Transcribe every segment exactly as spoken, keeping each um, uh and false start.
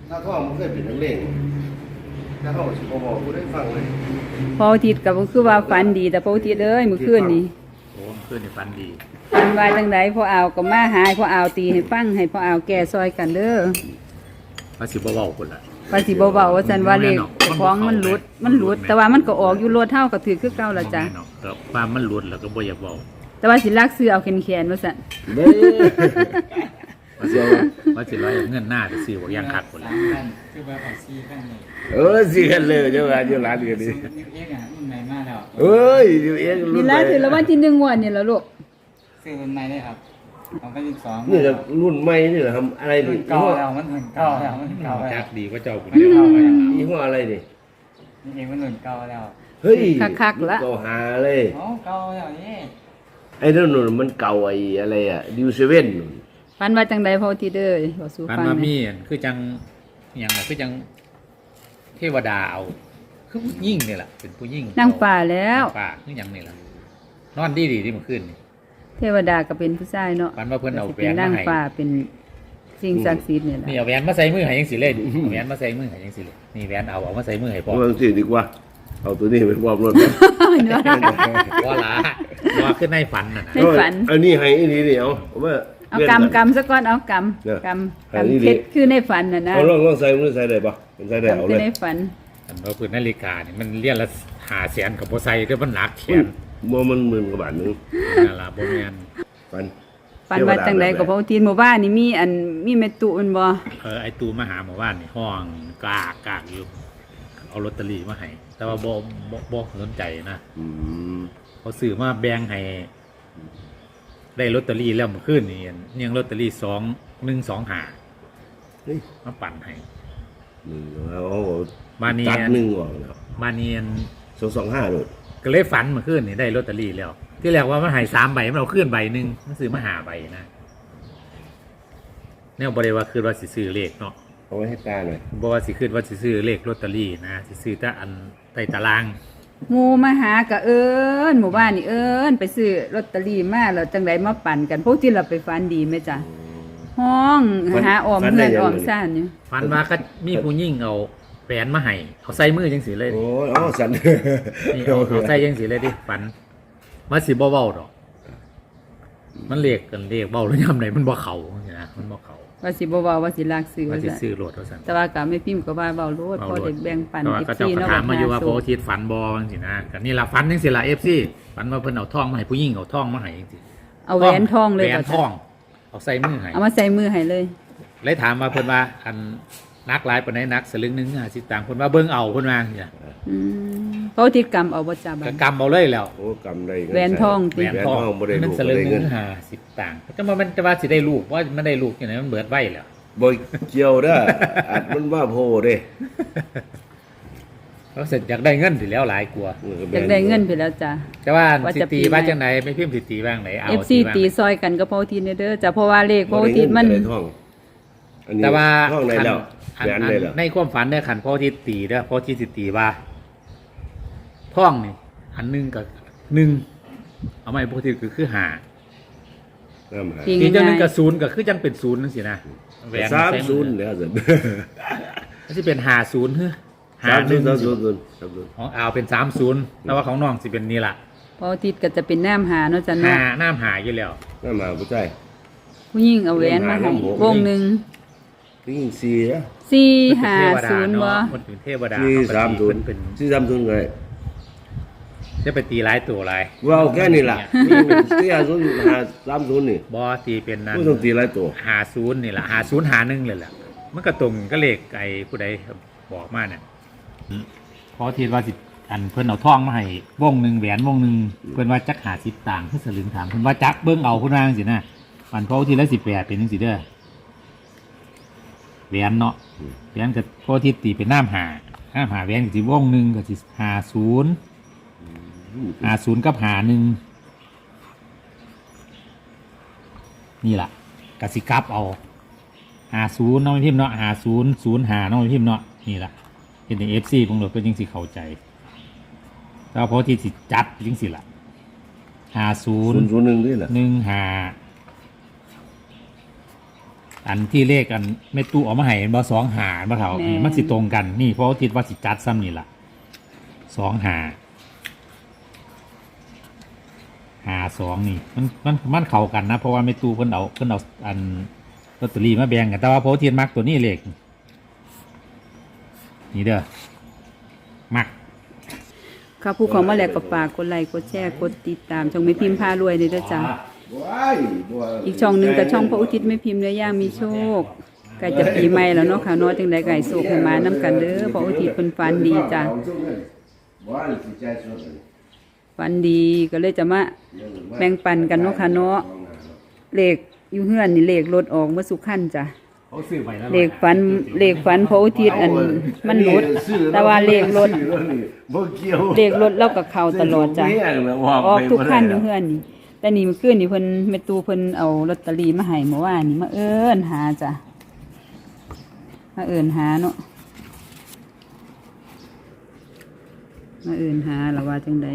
ถ้าท่องมันเคยเป็นนักเลงถ้าท่องสิบ่บอกกูได้ฟังเลยพออาทิตย์ก็บ่คือว่าฝันดีแต่พออาทิตย์เอ้ยมื้อคืนนี่โอ้เพื่อนนี่ฝันดีฝันว่าจังไดพอเอาก็มาหาพอเอาตีให้ฟังให้พอเอาแก้ซอยกันเด้อว่าสิบ่เว้าพุ่นล่ะว่าสิบ่เว้าว่าซั่นว่าเลขของมันหลุดมันหลุดแต่ว่ามันก็ออกอยู่รถเฮาก็ถือคือเก่าล่ะจ้ะก็ความมันหลุดแล้วก็บ่อยากเว้าแต่ว่าสิลักซื้อเอาแขนๆว่าซั่นเด้ว่าสิว่าสิร้อยเงินหน้าจะซื้อบ่อย่างคักพุ่นล่ะคือว่าเอาซีกันเลยเออสิกันเลยเจ้าว่าอยู่ร้านกันนี่นิวเอ็กอ่ะรุ่นใหม่มากแล้วเอ้ยนิวเอ็กรุ่นี่ล่ะถือละวันที่หนึ่งงวดนี่ล่ะลูกซื้อรุ่นใหม่ได้ครับของพันสิบสองนี่ก็รุ่นใหม่นี่เหรอทำอะไรนี่เก่าแล้วมันรุ่นเก่าแล้วมันเก่าแล้วจักดีกว่าเจ้าพุ่นยี่ห้ออะไรนี่นี่เองมันรุ่นเก่าแล้วเฮ้ยคักๆละเก่าหาเลยอ๋อเก่าแล้วนี่ไอ้นั่นนู่นมันเก่าไอ้อะไรอ่ะดิวเซเว่นนู่นฝันว่าจังไดพออาทิตย์เด้อบ่สู้ฟังฝันว่ามีคือจังหยังคือจังเทวดาเอาคือผู้หญิงนี่แหละเป็นผู้หญิงนางฟ้าแล้วฟ้าคือหยังนี่ล่ะนอนดีดีที่เมื่อคืนนี่เทวดาก็เป็นผู้ชายเนาะฝันว่าเพิ่นเอาแหวเป็นนนามางให้ฟ้าเป็นสิ่งศักดิ์สิทธิ์นี่แหละนี่เอาแหวนมาใส่มือให้จังซี่เลยเอาแหวนมาใส่มือให้จังซี่เลยนี่แหวนเอาเอามาใส่มือให้พ่อวางสิดีกว่าเอาตัวนี้ไปวางรถว่าละว่าขึ้นในฝันน่ะในฝันอันนี้ให้อีนี่นี่เอาว่าเอากำกำซะก่อนเอากำกำกำเพชรคือในฝันน่ะนะเอาลองลองใส่มือใส่ได้ปะมันใส่ได้เอาเลยในฝันอันว่าพื้นนาฬิกานี่มันเรียนละหาแสนกับโบไซเด้อมันหนักแขนโมมันหมื่นกว่าบาทนึงนั่นล่ะบ่แม่นฝันฝันว่าจังได๋ก็พระอาทิตย์หมู่บ้านนี่มีอันมีแม่ตุมันบ่เออไอ้ตูมาหาหมู่บ้านนี่ห้องกากกากอยู่เอาลอตเตอรี่มาให้แต่ว่าบ่บ่บ่สนใจนะอืมเขาซื้อมาแบ่งให้ได้ลอตเตอรี่แล้วเมื่อคืนนี่ยังลอตเตอรี่สองหนึ่งสองห้าเฮ้ยมาปั่นให้นึงเอามาเนียนหนึ่งว่ะมาเนียนสองสองห้าโลดก็เลยฝันเมื่อคืนนี่ได้ลอตเตอรี่แล้วที่แรกว่ามันหายสามใบมันเอาขึ้นใบหนึ่งมันซื้อมาหาใบนะเนี่ยบริวารคือว่าสิซื้อเลขเนาะเอาไว้ให้ตาหน่อยบอกว่าสิขึ้นว่าสิซื้อเลขลอตเตอรี่นะสิซื้อแต่อันใต้ตารางหมู่มาหากะเอิ้นหมู่บ้านนี่เอิ้นไปซื้อลอตเตอรี่มาแล้วจังได๋มาปั่นกันพวกที่เราไปฝันดีไหมจ๊ะห้องหาออมเพื่อนออมซ่านอยู่ฝันว่าก็มีผู้หญิงเอาแหวนมาให้เอาใส่มือจังสีเลยโอ้ยอ๋อสันนี่เอาเอาใส่จังสีเลยดิฝันมาสิบ่เว้าดอกมันเรียกกันเรียกเว้าแล้วยามใดมันบ่เข้านะมันบ่เข้าว่าสิบ่เว้าว่าสิลากซื้อว่าสิซื้อโลดว่าซั่นแต่ว่าก็ไม่พิมพ์ก็ว่าเว้าโลดพอได้แบ่งปันเอฟ ซี เนาะก็ถามมาอยู่ว่าพออาทิตย์ฝันบ่จังซี่นะก็นี่ล่ะฝันจังซี่ล่ะ เอฟ ซี ฝันว่าเพิ่นเอาทองมาให้ผู้หญิงเอาทองมาให้จังซี่เอาแหวนทองเลยแหวนทองเอาใส่มือให้เอามาใส่มือให้เลยเลยถามว่าเพิ่นว่าอันนักหลายปานใดนักสลึงนึงห้าสิบตังค์เพิ่นว่าเบิ่งเอาเพิ่นว่าจังซี่อืมพออาทิตย์กำเอาบ่จ้าบัดก็กำเอาเลยแล้วโอ้กำได้แหวนทองแหวนทองบ่ได้ลูกบ่ได้เงินห้าสิบตังค์แต่ว่ามันจะว่าสิได้ลูกว่ามันได้ลูกจังได๋มันเบิดไว้แล้วบ่เกี่ยวเด้ออัดมันว่าโพเด้เขาเสร็จอยากได้เงินสิแล้วหลายกว่าอยากได้เงินไปแล้วจ้ะแต่ว่าสิตีว่าจังได๋ไม่พิมพ์สิตีว่างไหนเอาเอฟ ซี ตีซอยกันก็พออาทิตย์เด้อจ้ะเพราะว่าเลขพออาทิตย์มันแต่ว่าห้องไหนแล้วแหวนได้แล้วในความฝันเนี่ยขันพออาทิตย์ตีเด้อพออาทิตย์สิตีว่าท่องนี่อันนึงกับหนึ่งเอามาให้พออาทิตย์คือห้าทีเจ้านึงกับศูนย์ก็คือจังเป็นศูนย์นั่นสินะแหวนสามศูนย์แล้วสิมันสิเป็นห้าศูนย์เฮ้อห้าศูนย์สามศูนย์ของเอาเป็นสามศูนย์แต่ว่าของน้องสิเป็นนี่ล่ะพออาทิตย์ก็จะเป็นน้ำหาเนาะจ้ะเนาะหาน้ำหาอยู่แล้วน้ำหาผู้ชายผู้หญิงเอาแหวนมาให้วงหนึ่งผู้หญิงสี่อะสี่ห้าศูนย์บ่มันเป็นเทวดาสี่สามศูนย์เป็นสี่สามศูนย์เลยจะไปตีหลายตัวหลายว้าวแค่นี้ล่ะสี่ห้าศูนย์ห้าสามศูนย์นี่บ่ตีเป็นนั้นไม่ต้องตีหลายตัวห้าศูนย์นี่ล่ะห้าศูนย์หาหนึ่งเลยล่ะมันก็ตรงก็เลขไอ้ผู้ใดบอกมาเนี่ยพอทีว่าสิอันเพิ่นเอาทองมาให้วงหนึ่งแหวนวงหนึ่งเพิ่นว่าจักหาสิบต่างเพิ่นสลึงถามเพิ่นว่าจักเบิ่งเอาคุณนางสินะมันพอทีละสิบแปดเป็นจังซี่เด้อแหวนเนาะแหวนก็พอทีตีเป็นน้ำหาน้ำหาแหวนก็สิวงหนึ่งก็สิห้าศูนย์ห้าศูนย์กับหาหนึ่งนี่ล่ะกสิกลับเอาห้าศูนย์น้องพิมพ์เนาะห้าศูนย์ศูนย์หาน้องพิมพ์เนาะนี่ล่ะเป็นเอฟซีพวกเราก็ยังสิเข้าใจแต่พอที่สิจัดจริงสิล่ะห้าศูนย์ศูนย์หนึ่งด้วยล่ะหนึ่งหาอันที่เลขอันแม่ตู้เอามาให้บ่สองหาบ่เท่านี่มันสิตรงกันนี่เพราะว่าคิดว่าสิจัดซ้ำนี่ล่ะสองหาหาสองนี่มันมันมันเข้ากันนะเพราะว่าแม่ตู้เพิ่นเอาเพิ่นเอาอันลอตเตอรี่มาแบ่งกันแต่ว่าเพราะว่าเทียนมักตัวนี้เลขนี่เด้อมักค่ะผู้ของมาแล้วก็ฝากกดไลค์กดแชร์กดติดตามช่องแม่พิมพ์พารวยด้วยเด้อจ้ะว้ายบัวอีกช่องหนึงก็ช่องพระอุทิศแม่พิมพ์เนื้อย่างมีโชคใกล้จะปีใหม่แล้วเนาะค่ะเนาะจังได๋ก็ให้โชคให้มานํกันเด้อพระอุทิศเพิ่นฝันดีจ้ะว้ายสิใจสุดเลยฝันดีก็เลยจะมาแบ่งปันกันเนาะค่ะเนาะเลขอยู่เฮือนนี่เลขรถออกเมื่อสุขันจ้ะเขาซื้อไปแล้วเลขฝันเลขฝันพระอุทิศอันมันหลุดแต่ว่าเลขรถบ่เกี่ยวเลขรถเราก็เข้าตลอดจ้ะออกทุกคันอยู่เฮือนนี่แต่นี่เมื่อคืนนี่เพิ่นแม่ตู่เพิ่นเอาลอตเตอรี่มาให้เมื่อวานนี่มาเอิ้นหาจ้ะมาเอิ้นหาเนาะมาเอิ้นหาแล้วว่าจังใด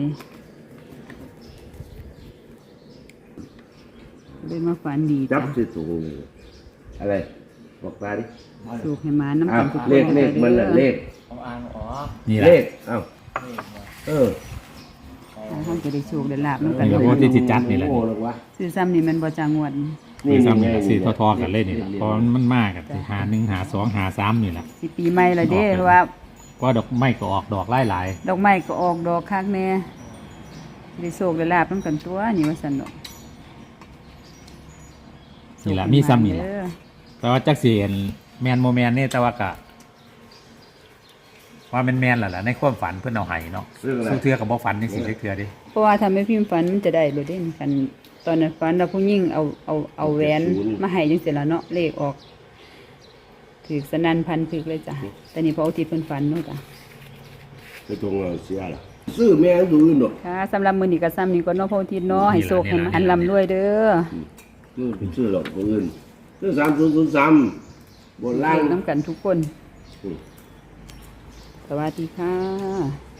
เลยมาฝันดีจัจ้ะบสิถูกอะไรบอกตาดิสูกให้มาน้ำอ้ากัวนทุกคนเลขเลขมันน่ะเลขผมอ่านออกนี่แหเลละขเอ้าเลขบ่เออท่านจะได้โชคได้ลาบน้ำกันนี่แหละเพราะที่สิจัดนี่แหละโอ้หรอวะซื้อซ้ำนี่มันบ่จางวดนี่ซ้ำนี่แหละซื้อทอๆกันเลยนี่แหละเพราะมันมากกันหาหนึ่งหาสองหาสามนี่แหละสิปีใหม่และเด้เพราะว่าก็ดอกไม้ก็ออกดอกหลายหลายดอกไม้ก็ออกดอกคักแน่ได้โชคได้ลาบน้ำกันตัวนี่ว่าซั่นดอกๆนี่แหละมีซ้ำนี่แหละเด้อแต่ว่าจักสีแมนโมแมนนี่แต่ว่ากะว่าแมนแมนแหละล่ะในความฝันเพื่อนเอาไห้เนาะเรื่องอะไรสู้เทือกับบ่ฝันนี่สิเทือดิเพราะว่าทำให้พิมพ์ฝันมันจะได้บ่ได้กัน ตอนนั้นฝันเราผู้หญิงเอาเอาเอาแหวนมาให้จังซี่ล่ะเนาะเลขออกถึกสนั่นพันถึกเลยจ้ะแต่นี่พออุทิศเพิ่นฝันเนาะจ้ะไปตรงเอาเสียล่ะซื้อแม่งดูอื่นดอกค่ะสำหรับมื้อนี้ก็ซ้ำนี้ก็เนาะพออุทิศเนาะให้โชคให้มันร่ำรวยเด้อซื้อไปซื้อดอกคนอื่นซื้อสามศูนย์ศูนย์สามบนล่างน้ำกันทุกคนอืมสวัสดีค่ะ